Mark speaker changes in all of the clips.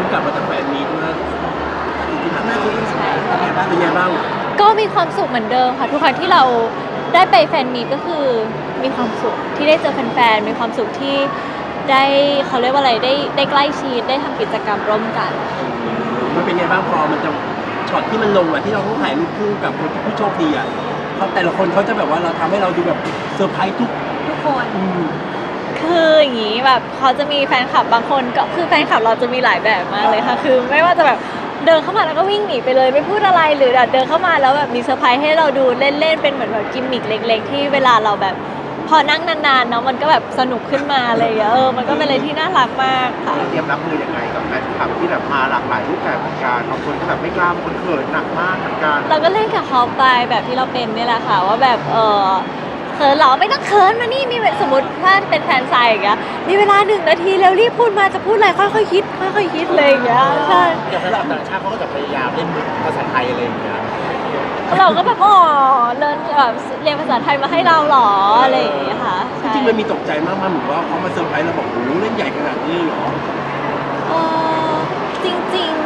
Speaker 1: กลับมาจากแฟนมีตเมื่ออาทิตย์ที่ผ่านมา
Speaker 2: ใช่ค่ะ
Speaker 1: เป็นไงบ้าง
Speaker 2: ก็มีความสุขเหมือนเดิมค่ะทุกครั้งที่เราได้ไปแฟนมีตก็คือมีความสุขที่ได้เจอแฟนๆมีความสุขที่ได้เขาเรียกว่าอะไรได้ใกล้ชิดได้ทำกิจกรรมร่วมกัน
Speaker 1: มันเป็นไงบ้างพอมันจะช็อตที่มันลงอะที่เราต้องถ่ายรูปคู่กับคนที่ผู้โชคดีอะเขาแต่ละคนเขาจะแบบว่าเราทำให้เราดูแบบเซอร์ไพรส์ทุกคน
Speaker 2: คืออย่างนี้แบบเขาจะมีแฟนคลับบางคนก็คือแฟนคลับเราจะมีหลายแบบมากเลยค่ะคือไม่ว่าจะแบบเดินเข้ามาแล้วก็วิ่งหนีไปเลยไม่พูดอะไรหรือเดินเข้ามาแล้วแบบมีเซอร์ไพรส์ให้เราดูเล่นๆเป็นเหมือนแบบกิมมิคเล็กๆที่เวลาเราแบบพอนั่งนานๆเนาะมันก็แบบสนุกขึ้นมาอะไรอย่างเงี้ยมันก็เป็นอะไรที่น่ารักมากค่ะ
Speaker 3: เราเตรียมรับมือยังไงกับแฟนคลับที่แบบมาหลากหลายรูปแบบเหมือนกันบางคนก็แบบไม่กล้าบางคนเขินหนักมากเหมือนกัน
Speaker 2: เราก็เล่นกับเขาไปแบบที่เราเป็นนี่แหละค่ะว่าแบบเขินเหรอไม่ต้องเขินมานี่มีสมมติถ้าเป็นแฟนไซน์อย่างเงี้ยมีเวลา1 นาทีแล้วรีบพูดมาจะพูดอะไรค่อยๆคิดค่อยๆคิดเลยอย่างเงี้ยใช่
Speaker 3: อย่างฝรั่งต่างชาติเขาก็จะพยายามเล่นภาษาไทยอะไรอย่างเงี้ย
Speaker 2: เราก็แบบเรียนแบบเรียนภาษาไทยมาให้เราเหรออะไรอย่างเงี้ยค่ะ
Speaker 1: จริงๆมันมีตกใจมากๆเหมือนว่าเขามาเซอร์ไพรส์เราบอกโอ้โหเล่นใหญ่ขนาดนี้เลยเหรอ
Speaker 2: เออจริง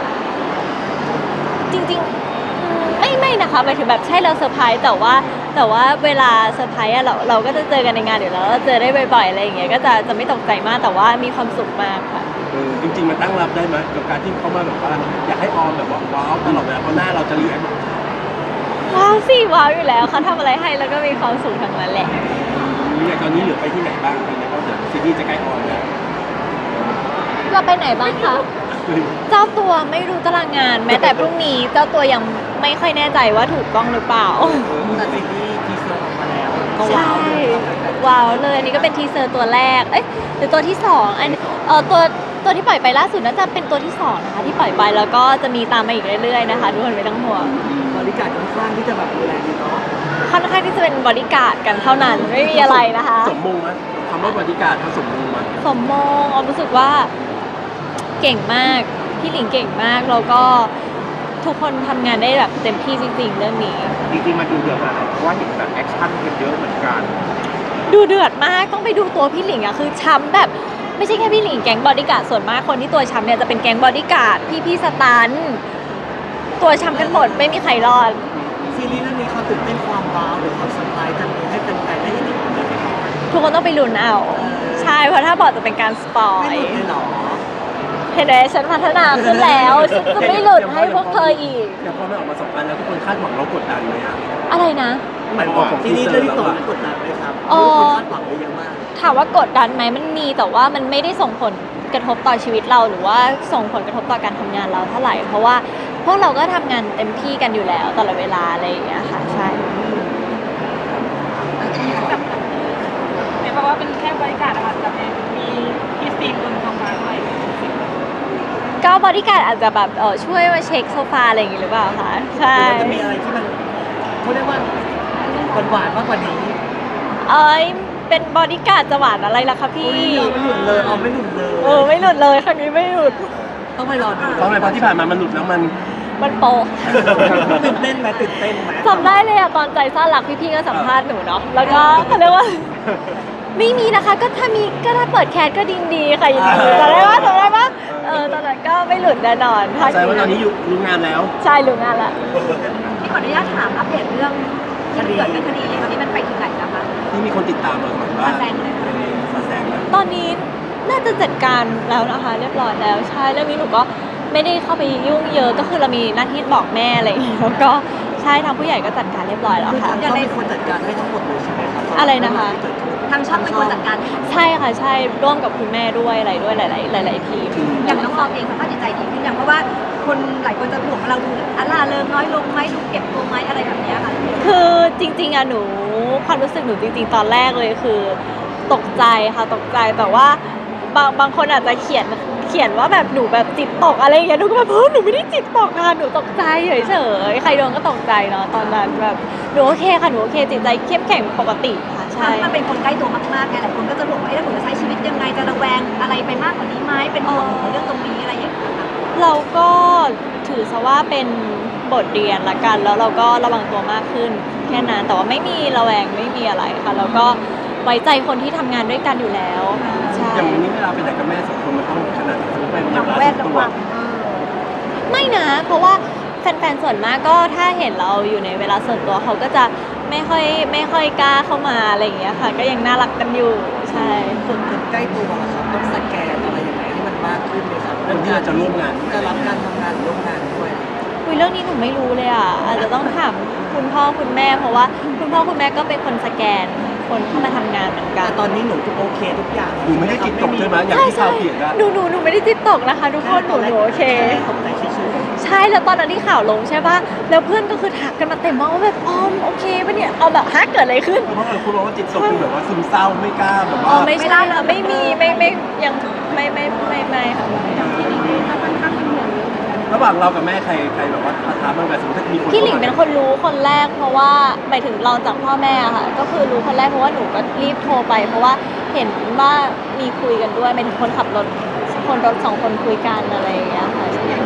Speaker 2: ๆไม่นะคะหมายถึงแบบใช่เราเซอร์ไพรส์แต่ว่าเวลาเซอร์ไพรส์อะเราก็จะเจอกันในงานอยู่แล้วเราเจอได้บ่อยๆอะไรอย่างเงี้ยก็จะไม่ตกใจมากแต่ว่ามีความสุขมากค่ะ
Speaker 1: จริงๆมันตั้งรับได้ไหมกับการที่เขามาแบบว่าอยากให้ออมแบบว่าว้าวตลอดเวลาเพราะหน้าเราจะเรียน
Speaker 2: ว้าวสิว้าวอยู่แล้วเขาทำอะไรให้แล้วก็มีความสุขทั้งนั้นแหละ
Speaker 1: อย่างตอนนี้เหลือไปที่ไหนบ้างตอนนี้ก็เดี๋ยวซีรีส์จะใกล้ออนแล้ว
Speaker 2: เราไปไหนบ้างคะเจ้าตัวไม่รู้ตารางงาน แม้แต่พรุ่งนี้เจ้าตัวยังไม่ค่อยแน่ใจว่าถูกต้องหรือเปล่า
Speaker 3: แต่ซีรีส์ทีเซอร์ออกมาแล้วก็
Speaker 2: ใช่ ว้าวเลยอันนี้ก็เป็นทีเซอร์ตัวแรกหรือตัวที่สองตัวที่ปล่อยไปล่าสุดน่าจะเป็นตัวที่สองนะคะที่ปล่อยไปแล้วก็จะมีตามมาอีกเรื่อยๆนะคะทุกคนไม่ต้องห่วง
Speaker 3: บริการค่อนข้างที่จะแบบดูแลดีเนาะ
Speaker 2: ค่อนข้างที่จะเป็นบริการดกันเท่านั้นไม่มีอะไรนะคะ
Speaker 1: สมมงไหมคำว่าบริการเขาสมมงไหม
Speaker 2: สมมงออมรู้สึกว่าเก่งมากพี่หลิงเก่งมากแล้วก็ทุกคนทำงานได้แบบเต็มที่จริงๆเรื่องนี้
Speaker 3: จริงๆมันดูเดือดมากเพราะว่าเห็นแบบแอคชั่นกันเยอะเหมือนกัน
Speaker 2: ดูเดือดมากต้องไปดูตัวพี่หลิงอะคือช้ำแบบไม่ใช่แค่พี่หลิงแก๊งบอดี้การ์ดส่วนมากคนที่ตัวช้ำเนี่ยจะเป็นแก๊งบอดี้การ์ดพี่สตันตัวช้ำกันหมดไม่มีใครรอด
Speaker 3: ซีรีส์เรื่องนี้เขาตื่นเต้นความว้าวหรือความเซอร์ไพรส์กันให้แฟนๆได้เห็นอีกไหม
Speaker 2: ทุกคนต้องไปลุ้นเอาใช่เพราะถ้าบอกจะเป็นการสปอย
Speaker 3: ไม่หลุดเลยเหรอ
Speaker 2: เห็นไหมฉันพัฒนาขึ้นแล้วฉันจะไม่หลุดให้พวกเธออีก
Speaker 1: อย่างพอมันออกมา2 อันแล้วทุกคนคาดหวังเรากดดันไหมอะ
Speaker 2: อะไรนะ
Speaker 1: หมายความของ
Speaker 3: ซี
Speaker 1: ที
Speaker 3: รีส์
Speaker 1: เซอ
Speaker 3: เรื่อง
Speaker 1: ร์
Speaker 3: ที่
Speaker 1: เรา
Speaker 3: สอง
Speaker 1: อะ
Speaker 3: กดดันไหมครับ
Speaker 2: อ๋อ
Speaker 3: คนคาดหวังไว้เยอะมาก
Speaker 2: ถามว่ากดดันไหมมันมีแต่ว่ามันไม่ได้ส่งผลกระทบต่อชีวิตเราหรือว่าส่งผลกระทบต่อการทำงานเราเท่าไหร่เพราะว่าพวกเราก็ทำงานเต็มที่กันอยู่แล้วตลอดเวลาอะไรอย่างเงี้ยค่ะใช่
Speaker 4: ไม่เพราะว่าเป็นแค่บริการนะคะแต่มีพี่สตีฟคนทำงานด้วย
Speaker 2: ก็บริการดอาจจะแบบช่วยมาเช็คโซฟาอะไรอย่างงี้หรือเปล่าคะใช่
Speaker 3: มันจะมีอะไรที่มันเขาเรียกว่าหวานๆมากกว่านี้
Speaker 2: เป็นบริการดจะหวานอะไรล่ะคะพี่
Speaker 3: ไม่หลุดเลยเอาไม่หลุดเลย
Speaker 2: ไม่หลุดเลยครั้งนี้ไม่หลุด
Speaker 3: ต้องไปรอดู
Speaker 1: เพราะอะไรเพราะที่ผ่านมามันหลุดแล้วมัน
Speaker 2: มันโปะ
Speaker 3: ตื่นเต้นไหมตื่นเต้นไหม
Speaker 2: จำได้เลยอะตอนใจซ่ารักพี่ๆก็สัมภาษณ์หนูเนาะแล้วก็เขาเรียกว่า ไม่มีนะคะก็ถ้ามีก็ถ้าเปิดแคสก็ดีค่ะยินดีจำได้ปะตอนนั้นก็ไม่หลุดแน่นอน
Speaker 1: แสดงว่าตอนนี้อยู่รู้งานแล้ว
Speaker 2: ใช่รู้งานละ
Speaker 4: ที่ขออนุญาตถามอัปเดตเรื่องที่เกิดเป็นคดีตอนนี้มันไปถึงไหนแล้วคะ
Speaker 1: ที่มีคนติดตามเราเหมือนว่า
Speaker 4: มาแซงเลย
Speaker 1: มาแซงแล้ว
Speaker 2: ตอนนี้น่าจะจัดการแล้วนะคะเรียบร้อยแล้วใช่เรื่องนี้หนูก็ไม่ได้เข้าไปยุ่งเยอะก็คือเรามีหน้าที่บอกแม่อะไรอย่างเงี้ยแล้วก็ใช่ทางผู้ใหญ่ก็จัดการเรียบร้อยแล้ว
Speaker 3: คือ
Speaker 2: ค่ะ
Speaker 3: ทางเขาเป็นคนจัดการให้ทั้งหมดเลยใช่ไหมครับ
Speaker 2: อะไรนะคะ
Speaker 4: ทางช่องเป็นคนจัดการ
Speaker 2: ใช่ค่ะใช่ร่วมกับคุณแม่ด้วยอะไรด้วยหลายๆทีม
Speaker 4: อย่างน้องออมเองสภาพจิตใจดีขึ้นอย่างเพราะว่าคนหลายคนจะห่วงว่าเราดูล่าเริงน้อยลงไหมดูเก็บตัวไหมอะไรแบบเนี้ยค่ะ
Speaker 2: คือจริงๆอะหนูความรู้สึกหนูจริงๆตอนแรกเลยคือตกใจค่ะตกใจแต่ว่าบางคนอาจจะเขียนว่าแบบหนูแบบจิตตกอะไรอย่างเงี้ยหนูก็แบบหนูไม่ได้จิตตกค่ะหนูตกใจเฉยๆใครโดนก็ตกใจเนาะตอนนั้นแบบหนูโอเคค่ะหนูโอเคจิตใจเข้มแข็งปกติค่ะใช่
Speaker 4: มันเป็นคนใกล้ตัวมากๆไงหลายคนก็จะห่วงว่าถ้าหนูจะใช้ชีวิตยังไงจะระแวงอะไรไปมากกว่านี้ไหมเป็นห่วงในเรื่องตรงนี้อะไรอย่างเงี้ยค่ะ
Speaker 2: เราก็ถือซะว่าเป็นบทเรียนละกันแล้วเราก็ระวังตัวมากขึ้นแค่นั้นแต่ว่าไม่มีระแวงไม่มีอะไรค่ะแล้วก็ไว้ใจคนที่ทำงานด้วยกันอยู่แล้วใช่
Speaker 1: อย่างนี้เวลาไปไหนกับแม่สองคนมันต้องขนาดไหนสมมติไป
Speaker 4: อย่าง
Speaker 1: ร้าน
Speaker 4: แวด
Speaker 1: ตั
Speaker 4: ระ
Speaker 1: ว
Speaker 4: วัง
Speaker 2: ไม่นะ เพราะว่าแฟนๆส่วนมากก็ถ้าเห็นเราอยู่ในเวลาส่วนตัวเขาก็จะไม่ค่อยกล้าเข้ามาอะไรอย่างเงี้ยค่ะ ก็ยังน่ารักกันอยู่ใช่
Speaker 5: คนใกล้ตัวอะครับต้องสแกนอะไรยังไงให้มันมากขึ้นไหมครับ
Speaker 1: คนที่เราจะร่วมงาน
Speaker 5: จะรับการทำงานร่วมงานด้วย
Speaker 2: คุยเรื่องนี้หนูไม่รู้เลยอ่ะอาจจะต้องถามคุณพ่อคุณแม่ เพราะว่าคุณพ่อคุณแม่ก็เป็นคนสแกนคนเข้ามาทำงานเหมือนกั
Speaker 5: แต่
Speaker 2: น
Speaker 5: ตอนนี้หนูโอเคทุกอย่าง
Speaker 1: หนูไม่ได้จิตตกใช่ไหมอย่าง
Speaker 2: ใช่
Speaker 1: ที่
Speaker 2: ใช่
Speaker 1: ข่าวเขียนอะ
Speaker 2: หนูไม่ได้จิตตกนะคะทุกคนหนูโอเค
Speaker 5: ตกใจเฉย
Speaker 2: ใช่แล้วตอนนั้นที่ข่าวลงใช่ป่ะแล้วเพื่อนก็คือทักกันมาเต็มมากว่าแบบออมโอเคปะเนี่ยเอาแบบฮะเกิดอะไรขึ้น
Speaker 1: เพราะคุณบอกว่าจิตตกคือแบบว่าซึมเศร้าไม่กล้าแบบ
Speaker 2: อ๋อ
Speaker 1: ว่า
Speaker 2: ไม่ใช่ค่ะไม่มีไม่ยังไม่ค่ะ
Speaker 1: ระหว่างเรากับแม่ใครแบบว่าประทับบ้างกันสมมติถ้ามีคน
Speaker 2: พี่หลิงเป็นคนรู้คนแรกเพราะว่าหมายถึงรองจากพ่อแม่อะค่ะ ก็คือรู้คนแรกเพราะว่าหนูก็รีบโทรไป เพราะว่าเห็นว่ามีคุยกันด้วยหมายถึงคนขับรถคนรถสองคนคุยกันอะไรอย่างเงี้ยค่ะ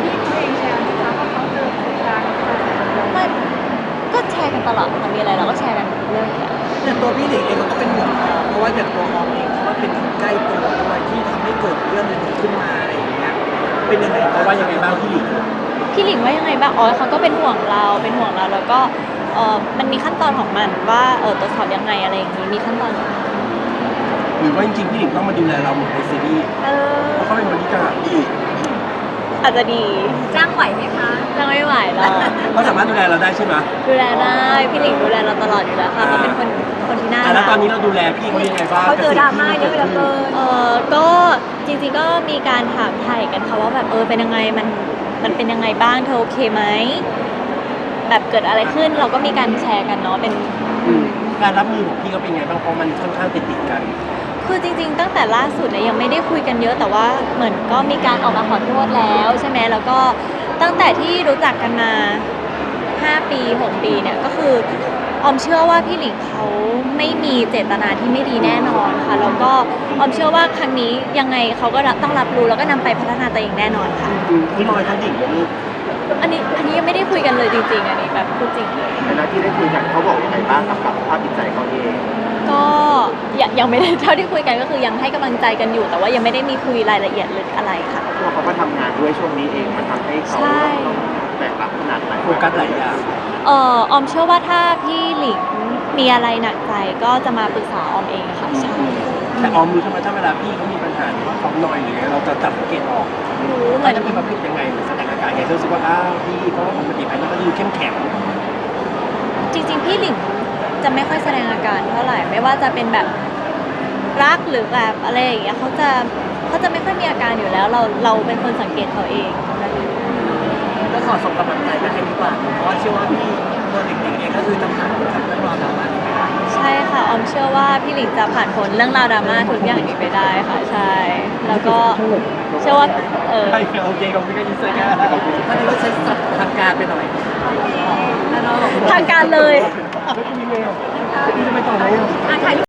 Speaker 2: ไม่ก็แชร์กันตลอดค่ะมีอะไรเราก็แชร์กันเรื่องอยู่แล้ว
Speaker 5: ๆแต่ตัวพี่หลิงเองเขาก็เป็นห่วงน้องเพราะว่าอย่างตัวออมเองเขาก็เป็นคนใกล้ตัวด้วยที่ทำให้เกิดเรื่องนี้ขึ้นมาอะไรอย่างเงี้ยเป็นยังไง
Speaker 1: เพราะว่ายังไงบ้างพี่หลิง
Speaker 2: พี่หลิงว่ายังไงบ้างอ๋อเขาก็เป็นห่วงเราแล้วก็มันมีขั้นตอนของมันว่าตรวจสอบยังไงอะไรอย่างนี้มีขั้นตอนของมัน
Speaker 1: หรือว่าจริงๆพี่หลิงต้องมาดูแลเราเหมือนในซีรีส์เพราะเขาเป็นบริการ
Speaker 2: อาจจะดี
Speaker 4: จ้างไหวไหมคะ
Speaker 2: จะไม่ไหวหรอก
Speaker 1: เขาสามารถดูแลเราได้ใช่ไหม
Speaker 2: ดูแลได้พี่หลิงดูแลเราตลอดอยู่แล้วค่ะเขาเป็นคนที่น่า
Speaker 1: แล้ว
Speaker 2: รัก
Speaker 1: ตอนนี้เราดูแลพี่เขายังไงบ้าง
Speaker 4: เขาเจอดราม่าเยอะเหลือเกิน
Speaker 2: ก็จริงๆก็มีการถามไถ่กันค่ะว่าแบบเป็นยังไงมันเป็นยังไงบ้างเธอโอเคไหมแบบเกิดอะไรขึ้นเราก็มีการแชร์กันเนาะเป็น
Speaker 1: การรับมือของพี่เขาเป็นไงบ้างเพราะมันค่อนข้างติดกัน
Speaker 2: คือจริงๆ ตั้งแต่ล่าสุดเนี่ยยังไม่ได้คุยกันเยอะแต่ว่าเหมือนก็มีการออกมาขอโทษแล้วใช่ไหมแล้วก็ตั้งแต่ที่รู้จักกันมา5 ปี6 ปีเนี่ยก็คือออมเชื่อว่าพี่หลิงเขาไม่มีเจตนาที่ไม่ดีแน่นอนค่ะแล้วก็ออมเชื่อว่าครั้งนี้ยังไงเขาก็ต้องรับรู้แล้วก็นำไปพัฒนาตัวเองแน่นอนค่ะ
Speaker 1: พี่ลอยเขาดิ่งนะลูก
Speaker 2: อันนี้ยังไม่ได้คุยกันเลยจริงๆอันนี้แบบพูดจริงเลย
Speaker 3: เวลาที่ได้คุยกันเขาบอกยังไงบ้างกับสภาพจิตใจเขาเอง
Speaker 2: ก็ยังไม่ได้เท่าที่คุยกันก็คือยังให้กำลังใจกันอยู่ แต่ว่ายังไม่ได้มีคุยรายละเอียดลึกอะไรค่ะ
Speaker 3: เพราะว่าเขาก็ทำงานด้วยช่วงนี้เองมันทำให้เขา
Speaker 2: ใช่
Speaker 3: ต้องแบกรับขนาดไหน
Speaker 1: โฟกัสหลายอย่าง
Speaker 2: ออมเชื่อว่าถ้าพี่หลิงมีอะไรหนักใจก็จะมาปรึกษาออมเองค่ะใช่
Speaker 1: แต่ออมรู้ใช่ไหมถ้าเวลาพี่เขามีปัญหาหรือว่าเขาหน่อยหรือไงเราจะจับสังเกตออก
Speaker 2: รู้เหมื
Speaker 1: เรา
Speaker 2: อน
Speaker 1: จะเป็นประเภทยังไงหรือแสดงอาการไงรู้สึกว่าพี่เพราะว่าปกติภายนอกก็ดูเข้มแข็ง
Speaker 2: จริง ๆ พี่หลิงจะไม่ค่อยแสดงอาการเท่าไหร่ไม่ว่าจะเป็นแบบรักหรือแบบอะไรอย่างเงี้ยเขาจะไม่ค่อยมีอาการอยู่แล้วเราเป็นคนสังเกตเขาเอง
Speaker 5: ก็ขอส่งกำลังใจไปให้ดีกว่าเพราะว่าเชื่อว่าพี่ตัวหลิงเองก็คือจะผ่านกับเรื่องราวดราม่านี้ไปได้
Speaker 2: ใช่ค่ะออมเชื่อว่าพี่หลิงจะผ่านพ้นเรื่องราวดราม่าทุกอย่างนี้ไปได้ค่ะใช่ แล้วก็เชื่อว่า
Speaker 1: ใช่โอเคขอบคุณก็ยินดีกัน
Speaker 5: ถ้าในว่าใช้ศัพท์ทางการไปหน่อย
Speaker 2: ทางการเลย
Speaker 1: ไม่มีเมลพี่จะไปต่อไหม
Speaker 4: ถ่ายรูป